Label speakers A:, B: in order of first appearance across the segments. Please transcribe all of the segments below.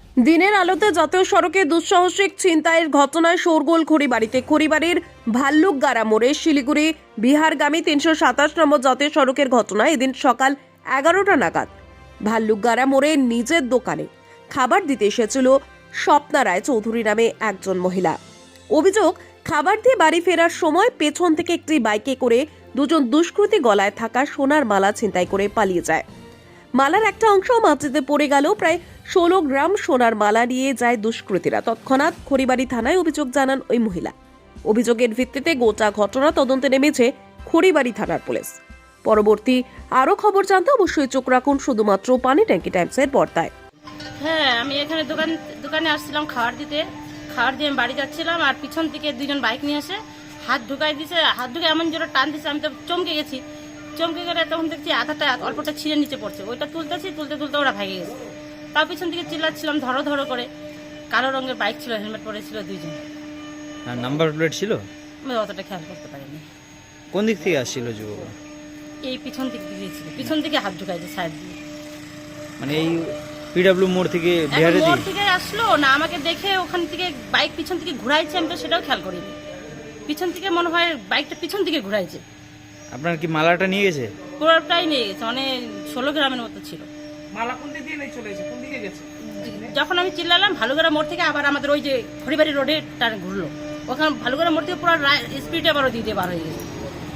A: দিনের আলোতে জাতীয় সড়কে দুঃসাহসিক ছিনতাইয়ের ঘটনায় শোরগোল খড়িবাড়িতে। খড়িবাড়ির ভাল্লুকগাড়া মোড়ে শিলিগুড়ি বিহারগামী ৩২৭ নম্বর জাতীয় সড়কের ঘটনায় এদিন সকাল 11টা নাগাদ ভাল্লুকগাড়া মোড়ে নিজের দোকানে খাবার দিতে এসেছিল স্বপ্না রায় চৌধুরী নামে একজন মহিলা। অভিযোগ, খাবার দিয়ে বাড়ি ফেরার সময় পেছন থেকে একটি বাইকে করে দুজন দুষ্কৃতী গলায় থাকা সোনার মালা ছিনতাই করে পালিয়ে যায়। মালার একটা অংশ মাটিতে পড়ে গেল। প্রায় 16 গ্রাম সোনার মালা নিয়ে যায় দুষ্কৃতীরা। তৎক্ষণাৎ খড়িবাড়ি থানায় অভিযোগ জানান ওই মহিলা। অভিযোগের ভিত্তিতে গোটা ঘটনা তদন্তে নেমেছে খড়িবাড়ি থানার পুলিশ। পরবর্তী আরো খবর জানতে অবশ্যই চোখ রাখুন শুধুমাত্র পানি ট্যাঙ্কি টাইমসের পর্দায়।
B: হ্যাঁ, আমি এখানে দোকানে আসছিলাম খাবার দিয়ে আমি বাড়ি যাচ্ছিলাম, আর পিছন থেকে দুজন বাইক নিয়ে এসে হাত ঢুকাই দিয়েছে। হাত ঢুকে এমন জোরে টান দিচ্ছে, আমি তো চমকে গেছি। চমকে গেলে তখন দেখছি আধাটা অল্পটা ছিঁড়ে নিচে পড়ছে। ওইটা তুলতে ওরা ভেঙে গেছে। তার পিছন থেকে চিল্লাচ্ছিলাম ধরো ধরো করে। কালো রঙের বাইক ছিল, হেলমেট পরেছিল দুইজন।
C: নাম্বার প্লেট ছিল?
B: আমি অতটা খেয়াল করতে পারিনি।
C: কোন দিক থেকে আসছিল যুবক?
B: এই পিছন দিক দিয়েছিল, পিছন থেকে হাত ঢুকাইছে সাইড দিয়ে।
C: মানে এই পিডব্লিউ মোড় থেকে বিহারে
B: মোড় থেকে আসলো না, আমাকে দেখে ওখান থেকে বাইক পিছন থেকে ঘুরাইছে। আমি তো সেটাও খেয়াল করিনি। পিছন থেকে মনে হয় বাইকটা পিছন থেকে ঘুরাইছে।
C: আপনার কি মালাটা নিয়ে গেছে?
B: পুরোটাই নিয়ে গেছে, মানে 16 গ্রামের মতো ছিল।
D: মালা কোন দিকে নিয়ে চলে গেছে? কোন দিকে গেছে?
B: যখন আমি চিল্লালাম ভালুগড়া মোড় থেকে আবার আমাদের ওই যে খড়িবাড়ি রোডে টান ঘুরলো। ওখানে ভালুগড়া মোড় থেকে পুরো স্পিডে আবারও দিতে বার হয়ে গেছে।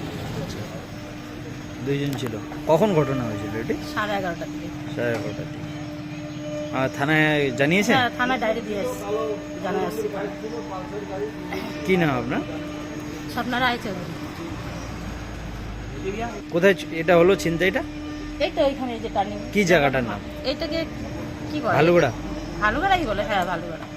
C: দুইজন ছিল। কখন ঘটনা হয়েছিল এটি?
B: 11:30টার দিকে।
C: 11:30টার দিকে। আর থানায় জানিয়েছেন?
B: হ্যাঁ, থানায় ডায়েরি দিয়ে আসছি, জানা আসছি।
C: কি নাম আপনার?
B: স্বপ্না রায় চৌধুরী।
C: কোথায় এটা হলো ছিনতাইটা?
B: এই তো ওইখানে যে টার্নিং।
C: কি জায়গাটার নাম?
B: এইটাকে কি বলে?
C: ভালুগড়া।
B: ভালুগড়াই বলে, হ্যাঁ ভালুগড়া।